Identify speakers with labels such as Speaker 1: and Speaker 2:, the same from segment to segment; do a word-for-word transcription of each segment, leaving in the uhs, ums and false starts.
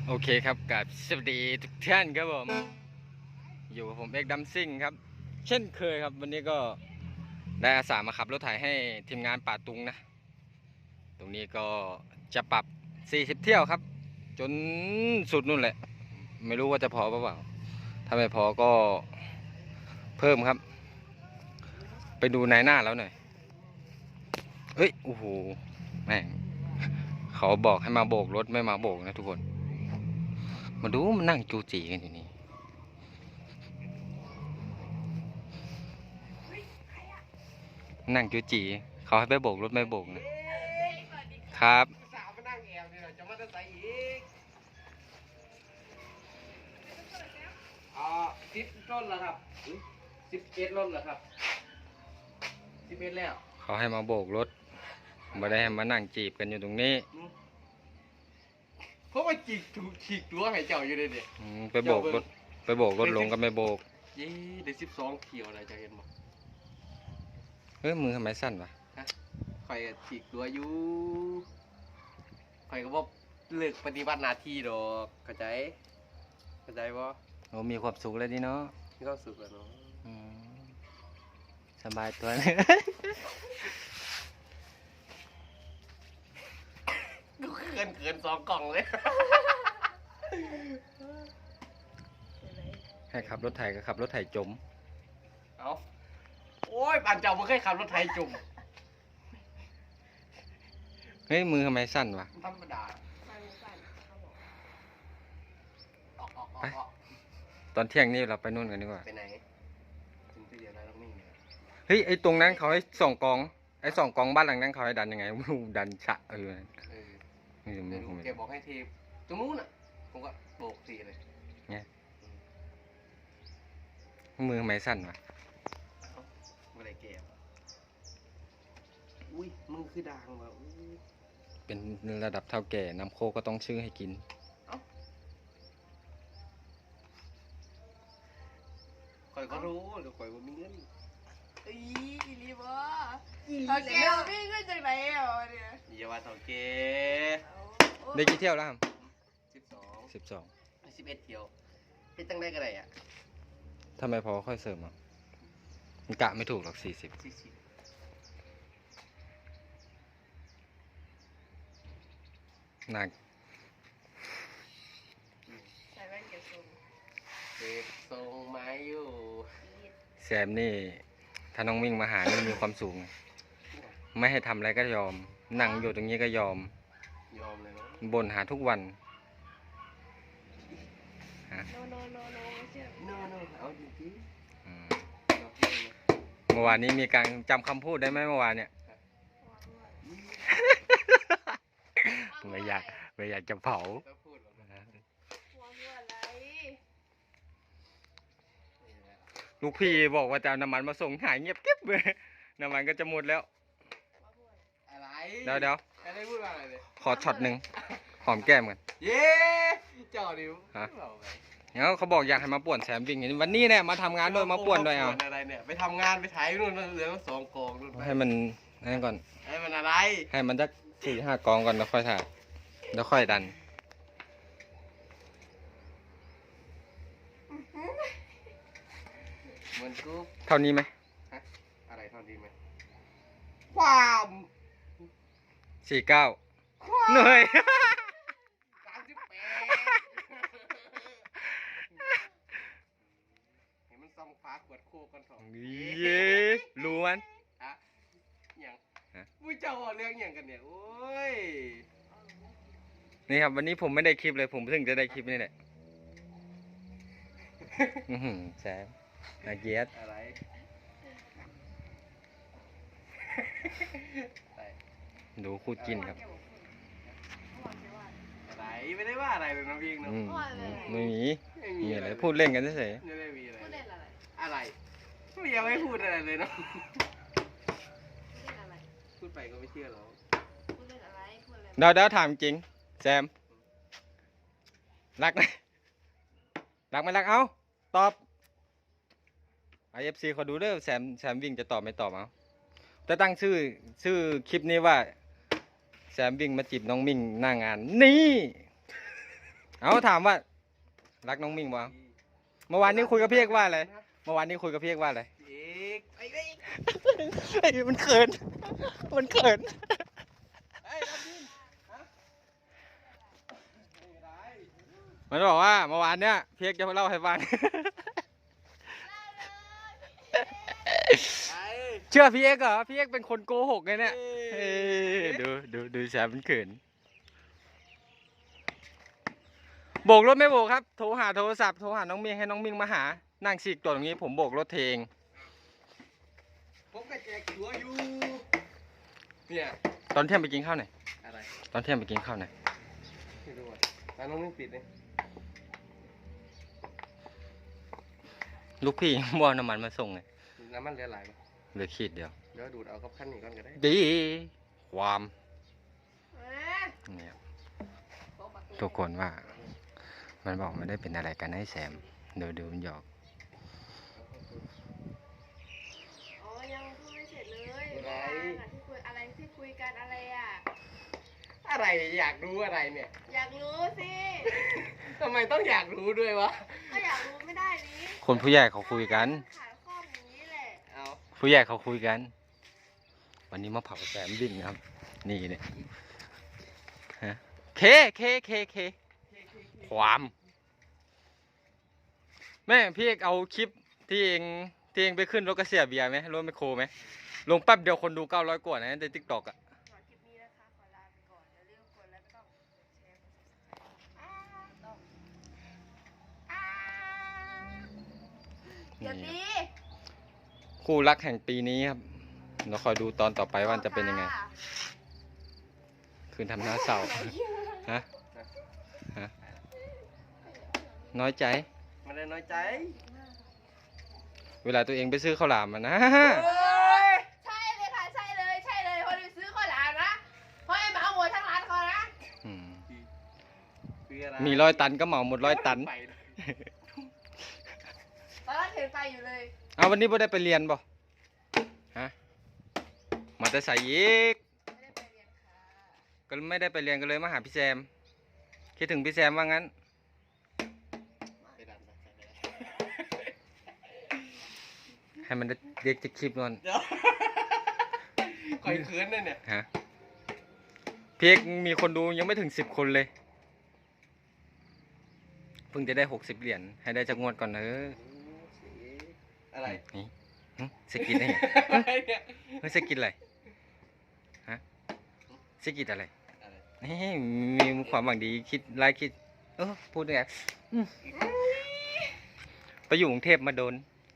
Speaker 1: โอเคครับกับสวัสดีทุกท่านครับผมอยู่กับผมเอกดัมซิ่งครับเช่นเคยครับวันนี้ก็ได้อาสามาขับรถไถให้ทีมงานป่าตุงนะตรงนี้ก็จะปรับสี่สิบเที่ยวครับจนสุดนู่นแหละไม่รู้ว่าจะพอเปล่าถ้าไม่พอก็เพิ่มครับไปดูนายหน้าแล้วหน่อยเอ้ยโอ้โหแม่งเขาบอกให้มาโบกรถไม่มาโบกนะทุกคนมาดูมันนั่งจูจีกันอยู่นี่นั่งจูจีเขาให้ไปโบกรถไม่โบกนะครับ
Speaker 2: สาวมานั่งแอวนี่แหละจะมาจะใส่อีกอ่าสิบต้นแล้วครับสิบเอ็ดต้นแล้วครับสิบเอ็ดแล้ว
Speaker 1: เขาให้มาโบกรถไม่ได้ให้มานั่งจีบกันอยู่ตรงนี้
Speaker 2: เพราะว่าจีกถูกฉีกตัวให้เจ้าอยู่เลยเด็ก
Speaker 1: ไปโบกรถไปโบกรถลงก็ไม่โบก
Speaker 2: ยี่เด็กสิบสองเขียวอะไรจะเห็นมั้ง
Speaker 1: เฮ้ยมือทำไมสั้นวะ
Speaker 2: ฮะใครฉีกตัวอยู่ใครก็บอกเลิกปฏิบัติหน้าที่ดอกเข้าใจเข้าใจป่ะ
Speaker 1: โอ้มีความสุขเลยดิเนาะ
Speaker 2: มีความสุขแล้วเนาะ
Speaker 1: สบายตัวเลย
Speaker 2: กูเกินเกินสองกล่องเลย
Speaker 1: ให้ขับรถไถก็ขับรถไถจม
Speaker 2: เอาโอ้ยปานเจ้ามึงเคยขับรถไถจุ่ม
Speaker 1: เฮ้ยมือทำไมสั้นวะ
Speaker 2: ธรรมดา
Speaker 1: ไปตอนเที่ยงนี่เราไปนู่นกันดีกว่า
Speaker 2: ไปไหนถึงไปเดียวนะต้องมิ่ง
Speaker 1: เฮ้ยไอตรงนั้นเขาให้ส่องกองไอส่องกองบ้านหลังนั้นเขาให้ดันยังไงดันฉะเออ
Speaker 2: ไม่รู้แกบอกให้ทีตรงนู้นอ่ะผมก็โบกทีเลย
Speaker 1: เนี่ยมือทำไมสั้นวะ
Speaker 2: อะไรแกอุ้ยมึงคือดังว่ะ
Speaker 1: เป็นระดับเท่าแก่น้ำโคก็ต้องชื่อให้กิน
Speaker 2: คอยก็รู้เดี๋ยวคอยว่ามีเงิน
Speaker 3: อีรีบอ่ะเท่าแก่วิ่งขึ้นจากไหนอ่ะเนี่ย
Speaker 2: อย่าว่าเท่าแก่
Speaker 1: ได้กี่เที่ยวแล้วครับ
Speaker 2: สิบสอง
Speaker 1: สิบสอง
Speaker 2: สิบเอ็ดเที่ยวเป็นตั้งได้กันไรอ่ะ
Speaker 1: ทำไมพอค่อยเสริมอ่ะมันกะไม่ถูกหรอกสี่สิบหนัก
Speaker 3: ใส่แว่นเก็บทรง
Speaker 2: เก็บทรงไม้อยู่
Speaker 1: แซมนี่ถ้าน้องวิ่งมาหานี่มีความสูงไม่ให้ทำอะไรก็ยอมนั่งอยู่ตรงนี้ก็ยอม
Speaker 2: ยอมเลยนะ
Speaker 1: บ่นหาทุกวัน
Speaker 3: ฮะโนโนโนโนไม่เชื่อ
Speaker 2: โนโนเอาจริง
Speaker 1: เมื่อวานนี้มีการจำคำพูดได้ไหมเมื่อวานเนี่ยไม่อยากไม่อยากจะเผาลูกพี่บอกว่าจะเอาน้ำมันมาส่งหายเงียบกิ๊บเลยน้ำมันก็จะหมดแล้ว
Speaker 2: อะไร
Speaker 1: เดี๋ยวเดี๋ยว
Speaker 2: อะไรพูดว่าอะไรเลย
Speaker 1: ขอช็อตหนึ่งหอมแก้มกัน
Speaker 2: เย้เจ้าดิว
Speaker 1: ฮะเดี๋ยวเขาบอกอยากให้มาป่วนแซมวิ่งวันนี้เนี่ยมาทำงานด้วยมาป่วนด้วยเอา
Speaker 2: อะไรเนี่ยไปทำงานไปถ่ายนู่นเหลือสองกองนู่น
Speaker 1: ให้มันนั่นก่อน
Speaker 2: ให้มันอะไร
Speaker 1: ให้มันจะสี่ห้ากองก่อนแล้วค่อยถ่ายแล้วค่อยดัน
Speaker 2: เหมือนกู
Speaker 1: เท่านี้ไหม
Speaker 2: ฮะอะไรเท่านี้ไหมความ
Speaker 1: สี่เก้าเหนื่อย
Speaker 2: สามสิบแปดเห็นมันส่องฟ้าขวดโคกันถอด
Speaker 1: เย้รู้มัน
Speaker 2: ฮะอย่างมุ้ยเจ้าเรื่องอย่างกันเนี่ยโอ้ย
Speaker 1: นี่ครับวันนี้ผมไม่ได้คลิปเลยผมเพิ่งจะได้คลิปนี่แหละแซมนาเกียรติ
Speaker 2: อะไร
Speaker 1: ดูคู่จิ้นครับ
Speaker 2: อะไรไม่ได้ว่าอะไรเลยนะพี่นะ
Speaker 1: ไม่มีมีอะไรพูดเล่นกันเฉย
Speaker 2: ๆไม่ได้มีอะไรอะไรไม่ยังไม่พูดอะไรเลยเนาะพูดไปก็ไม่เชื่อหรอก
Speaker 1: เดี๋ยวเดี๋ยวถามจริงแซมรักไหมรักไหมรักเอาตอบไอเอฟซีเขาดูเด้อแซมแซมวิ่งจะตอบไม่ตอบเอาจะตั้งชื่อชื่อคลิปนี้ว่าแซมวิ่งมาจีบน้องมิ่งหน้างานนี่เอาถามว่า รักน้องมิ่งบ้างเมื่อวานนี้คุยกับพี่เอกว่าอะไรเมื่อวานนี้คุยกับพี่เอกว่าอะไร
Speaker 2: เอกไอ้ไอ้
Speaker 1: เฮ้ยมันเขินมันเขิน
Speaker 2: ไอ้ดำดินฮะไม่ได้
Speaker 1: มันบอกว่าเมื่อวานเนี้ยพี่เอกจะมาเล่าให้ฟัง
Speaker 2: ไอ้
Speaker 1: เชื่อพี่เอกเหรอพี่เอกเป็นคนโกหกไงเนี่ยเอ้ยดูดูดูแซมมันเขินโบกรถไม่โบกครับโทรหาโทรศัพท์โทรหาน้องมิ่งให้น้องมิ่งมาหานั่งฉีกตัวตรงนี้ผมโบกรถเทเอง
Speaker 2: ผมก็แจกตัวอยู่เนี่ย
Speaker 1: ตอนเที่ยงไปกินข้าวไหนอย
Speaker 2: อะไร
Speaker 1: ตอนเที่ยงไปกินข้าวไหนอย
Speaker 2: ไม่รู้อ่ะร้านน้องไม่ปิดเลย
Speaker 1: ลูกพี่ บ่เอาน้ำมันมาส่งไง
Speaker 2: น้ำมันเหลือหลายปะ
Speaker 1: เหลือขีดเดียว
Speaker 2: เดี๋ยวดูดเอากับขั้นนี้ก่อนก็ได้
Speaker 1: ดีความ
Speaker 3: เอ๊ะ
Speaker 1: เนี่ยทุกคนว่า มันบอกไม่ได้เป็นอะไรกันให้แซมเดี๋ยวดูมันหยอก
Speaker 3: อ๋อยังพูดไม่เสร็จเลยอะไรที่คุยอะไรที่คุยกันอะไรอ่ะ
Speaker 2: อะไรอยากรู้อะไรเนี่ย
Speaker 3: อยากรู้สิ
Speaker 2: ทำไมต้องอยากรู้ด้วยวะ
Speaker 3: ก็อยากรู้ไม่ได้นี้
Speaker 1: คนผู้ใหญ่เขาคุยกัน
Speaker 3: ขายข้อมอย่างนี้แหละ
Speaker 2: เอา
Speaker 1: ผู้ใหญ่เขาคุยกัน วันนี้มาเผาแซมบิ่งนะครับ นี่เนี่ยฮะเคเคเคเคความ แม่พี่เอกเอาคลิปที่เองที่เองไปขึ้นรถกระเสียเบียร์ไหมรถไมคโครไหมลงแป๊บเดียวคนดูเก้าร้อยกว่านะในทิกตอกอ่ะ
Speaker 3: ขอคลิปนี้นะคะขอลาไปก่อนอย่าลืมกดไลค์ก็ต้องกดแชร์กด subscribe อ่าต้องอ่าอย่าตี
Speaker 1: คู่รักแห่งปีนี้ครับเราคอยดูตอนต่อไปว่าจะเป็นยังไง คืนทำหน้าเศร้าฮะฮะน้อยใจ
Speaker 2: ไม่ได้น้อยใจ
Speaker 1: เวลาตัวเองไปซื้อข้าวหลามมานะ
Speaker 3: โอ้ยใช่เลยค่ะใช่เลยใช่เลยคนไปซื้อข้าวหลามนะเพราะไอ้หมาหมดทั้งร้านเขานะ
Speaker 1: อืม
Speaker 2: คืออะไร
Speaker 1: มีร้อยตันก็เหมาหมดร้อยตัน
Speaker 2: ไปเลย
Speaker 3: ตอนนั้นเห็นไฟอยู่เลย
Speaker 1: เอาวันนี้บ่ได้ไปเรียนบ่ฮะมาแต่ใส่อีก
Speaker 3: ไม่ได้ไปเรียนค่ะ
Speaker 1: ก็ไม่ได้ไปเรียนก็เลยมาหาพี่แซมคิดถึงพี่แซมว่างั้น
Speaker 2: ไปดันไปไปไป
Speaker 1: ให้มันได้เรียกจะคลิปนอน
Speaker 2: เดี๋ยวคอยคืนเลยเนี่ย
Speaker 1: ฮะพี่เอกมีคนดูยังไม่ถึงสิบคนเลยเพิ่งจะได้หกสิบเหรียญให้ได้จากงวดก่อนเนอะ
Speaker 2: อะไร
Speaker 1: นี่หึสกินได้ไง
Speaker 2: อะไรเนี่ย
Speaker 1: เฮ้ยสกินอะไรฮะสกินอะไร
Speaker 2: อะไร
Speaker 1: นี่มีความหวังดีคิดไล่คิดเออพูดยังไงอืมไปอยู่กรุงเทพมาโดน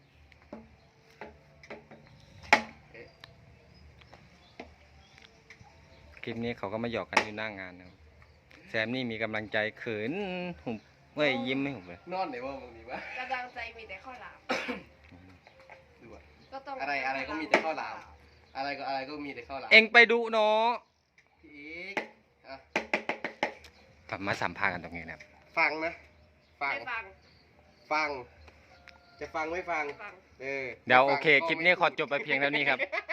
Speaker 1: คลิปนี้เขาก็มาหยอกกันอยู่หน้างานนะครับแซมนี่มีกำลังใจเขินหุบเว้ยยิ้มไม่หุบเลย
Speaker 2: นอนไหนวะมึงนี่วะ
Speaker 3: กำลังใจมีแต่ข้าวหลาม
Speaker 2: ดูอะ
Speaker 3: ก็ต้อง
Speaker 2: อะไรอะไรก็มีแต่ข้าวหลาม อะไรก็อะไรก็มีแต่ข้าวหลาม
Speaker 1: เอ็งไปดูเนาะ
Speaker 2: อีกอ่ะ
Speaker 1: กลับมาสัมภาษณ์กันตรงนี้นะครับ
Speaker 2: ฟังนะ ฟัง
Speaker 3: ไม่ฟัง
Speaker 2: ฟัง จะฟังไม่ฟัง
Speaker 3: ฟัง
Speaker 2: เออ
Speaker 1: เดี๋ยว
Speaker 2: จะ
Speaker 1: โอ
Speaker 2: ฟัง
Speaker 1: เค
Speaker 2: ก็
Speaker 1: คลิป
Speaker 2: ไม่
Speaker 1: นี้ขอ
Speaker 2: พูด
Speaker 1: จบไปเพียงเท่านี้ครับ